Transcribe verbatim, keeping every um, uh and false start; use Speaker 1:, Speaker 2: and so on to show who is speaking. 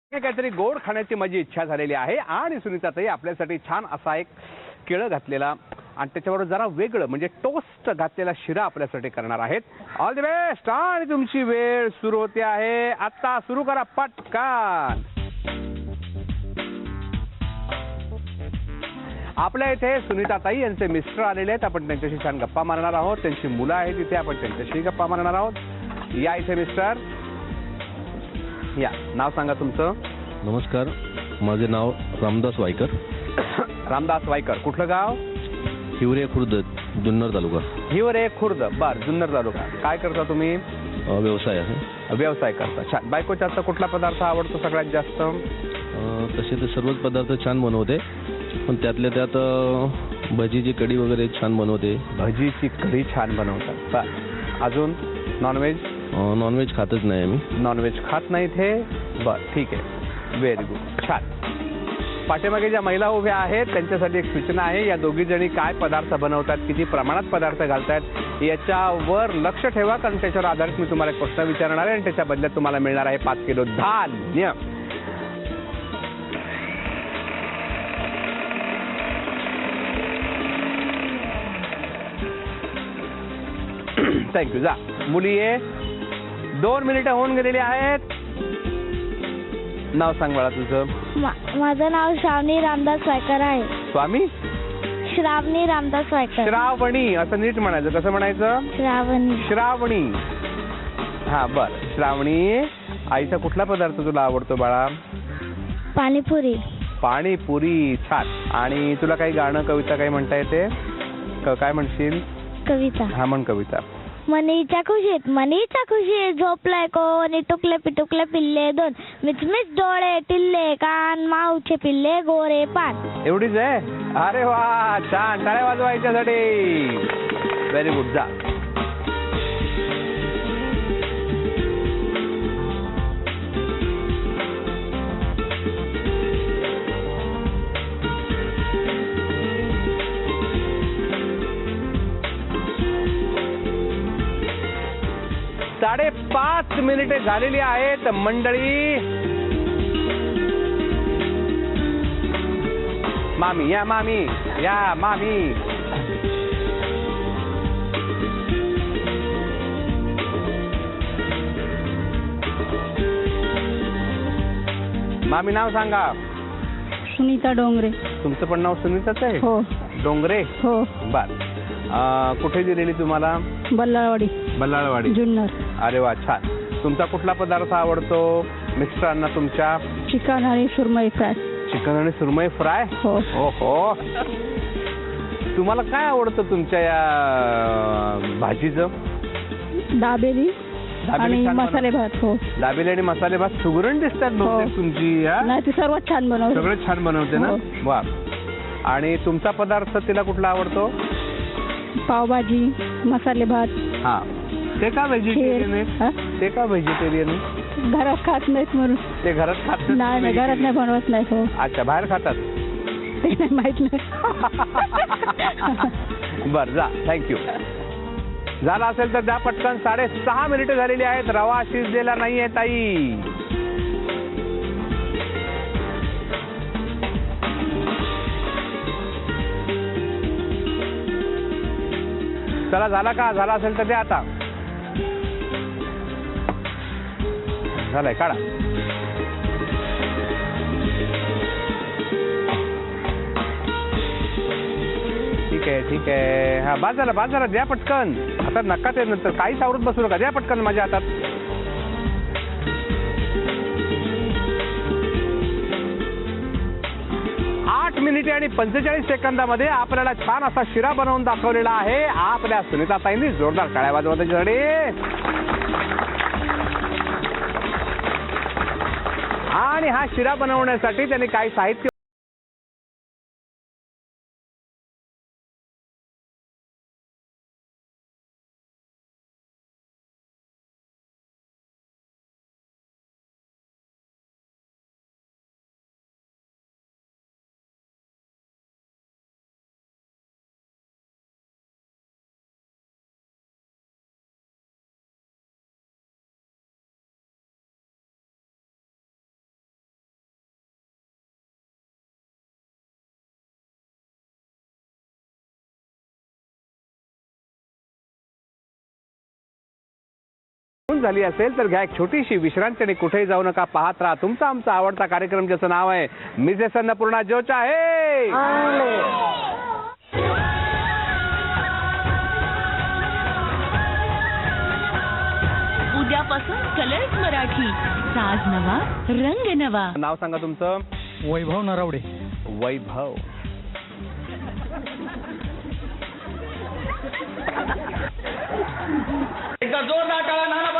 Speaker 1: हे काहीतरी गोड खाण्याची माझी इच्छा झालेली आहे आणि सुनीताताई आपल्यासाठी छान असा एक केळं घातलेला आणि त्याच्यावर जरा वेगळं म्हणजे टोस्ट घातलेला शिरा आपल्यासाठी करणार आहेत. All the best. आणि तुमची वेळ सुरू होते आहे आता. सुरू करा पटकन. आपल्या इथे सुनीताताई यांचे मिस्टर आलेले आहेत. आपण त्यांच्याशी छान गप्पा मारणार आहोत. त्यांची मुलं आहेत इथे. आपण त्यांच्याशी गप्पा मारणार आहोत. या इथे मिस्टर. या, नाव सांगा तुमचं.
Speaker 2: नमस्कार, माझे नाव रामदास वायकर.
Speaker 1: रामदास वायकर. कुठलं गाव?
Speaker 2: हिवरे खुर्द, जुन्नर तालुका.
Speaker 1: हिवरे खुर्द. बर, जुन्नर तालुका. काय करता तुम्ही?
Speaker 2: अ, व्यवसाय आहे.
Speaker 1: व्यवसाय करता. छान. बायकोचा आता कुठला पदार्थ आवडतो सगळ्यात जास्त?
Speaker 2: अ, तसे तर सर्वच पदार्थ छान बनवते, पण त्यातल्या त्यात अ, भजीची कढी वगैरे छान बनवते.
Speaker 1: भजीची कढी छान बनवतात. बर. अजून नॉनव्हेज?
Speaker 2: नॉनव्हेज खातच नाही आम्ही.
Speaker 1: नॉनव्हेज खात नाहीत हे. बर, ठीक आहे. Very good. छान. पाठीमागे ज्या महिला उभ्या आहेत त्यांच्यासाठी एक सूचना आहे. या दोघी जणी काय पदार्थ बनवतात, किती प्रमाणात पदार्थ घालतात याच्यावर लक्ष ठेवा, कारण त्याच्यावर आधारित मी तुम्हाला एक प्रश्न विचारणार आहे आणि त्याच्या बदल्यात तुम्हाला मिळणार आहे पाच किलो धान्य. थँक्यू. जा मुली ये. दोन मिनिटं होऊन गेलेली आहेत. नाव सांग मला तुझं.
Speaker 3: माझं नाव श्रावणी रामदास वायकर आहे.
Speaker 1: स्वामी
Speaker 3: श्रावणी रामदास वायकर.
Speaker 1: श्रावणी असं नीट म्हणायचं. कसं म्हणायचं?
Speaker 3: श्रावणी.
Speaker 1: श्रावणी. हा, बर. श्रावणी, आईचा कुठला पदार्थ तुला आवडतो बाळा?
Speaker 3: पाणीपुरी.
Speaker 1: पाणीपुरी. छान. आणि तुला काही गाणं कविता काही म्हणता येते? काय म्हणशील?
Speaker 3: कविता.
Speaker 1: हा, म्हण कविता.
Speaker 3: मनीच्या खुशीत मनीच्या खुशीत झोपलाय कोणी, टुकले पिटुकले पिल्ले दोन, मिचमिच डोळे टिल्ले कान, माऊचे पिल्ले गोरे पान.
Speaker 1: एवढीच आहे? अरे वा, छान. टाळ्या वाजवायच्यासाठी. Very good. जा. साडेपाच मिनिटे झालेली आहेत मंडळी. मामी या. मामी या. मामी. मामी नाव सांगा.
Speaker 4: सुनीता डोंगरे.
Speaker 1: तुमचं पण नाव सुनीताच आहे?
Speaker 4: हो.
Speaker 1: डोंगरे.
Speaker 4: हो.
Speaker 1: बर. कुठे दिलेली तुम्हाला?
Speaker 4: बल्लाळवाडी.
Speaker 1: बल्लाळवाडी.
Speaker 4: जुन्नर.
Speaker 1: अरे वा, छान. तुमचा कुठला पदार्थ आवडतो मिस्टरांना तुमच्या?
Speaker 4: चिकन आणि सुरमई फ्राय.
Speaker 1: चिकन आणि सुरमई फ्राय.
Speaker 4: हो.
Speaker 1: हो. तुम्हाला काय आवडतं तुमच्या या भाजीचं?
Speaker 4: दाबेली आणि मसाले भात. हो.
Speaker 1: दाबेली आणि मसाले भात. सुगरण दिसतात बहुतेक तुमची.
Speaker 4: नाही, ती सर्वात छान बनवते.
Speaker 1: सगळं छान बनवते ना. वा. आणि तुमचा पदार्थ तिला कुठला आवडतो?
Speaker 4: पावभाजी, मसाले भात.
Speaker 1: हा. ते का व्हेजिटेरियन आहे? ते का व्हेजिटेरियन आहे?
Speaker 4: घरात खात नाहीत म्हणून.
Speaker 1: ते घरात खात
Speaker 4: नाही? नाही, घरात नाही बनवत नाही. हो.
Speaker 1: अच्छा, बाहेर खातात?
Speaker 4: ते नाही माहित नाही.
Speaker 1: बर, जा. थँक्यू. झाला असेल तर द्या पटकन. साडेसहा मिनिटं झालेली आहेत. रवा शिजलेला नाहीये ताई. चला, झाला का? झाला असेल तर द्या आता. झालंय, काढा. ठीक आहे, ठीक आहे. हा, बाद झाला, बाद झाला. द्या पटकन. आता नका ते नंतर काहीच आवडत बसू नका. द्या पटकन माझ्या हातात. आठ मिनिटे आणि पंचेचाळीस सेकंदामध्ये आपल्याला छान असा शिरा बनवून दाखवलेला आहे आपल्या सुनीताताईंनी. जोरदार टाळ्या वाजवा त्याच्यासाठी. आणि हा शिरा बनवण्यासाठी त्यांनी काही साहित्य झोपून झाली असेल तर घ्या एक छोटीशी विश्रांती आणि कुठेही जाऊ नका. पाहत राहा तुमचा आमचा आवडता कार्यक्रम ज्याचं नाव आहे मिसेस अन्नपूर्णा जो चाहे.
Speaker 5: उद्यापासून कलर्स मराठी, साज नवा रंग नवा.
Speaker 1: नाव सांगा तुमचं.
Speaker 6: वैभव नरावडे.
Speaker 1: वैभव.
Speaker 7: एकदा जोरदार टाळ्या नाना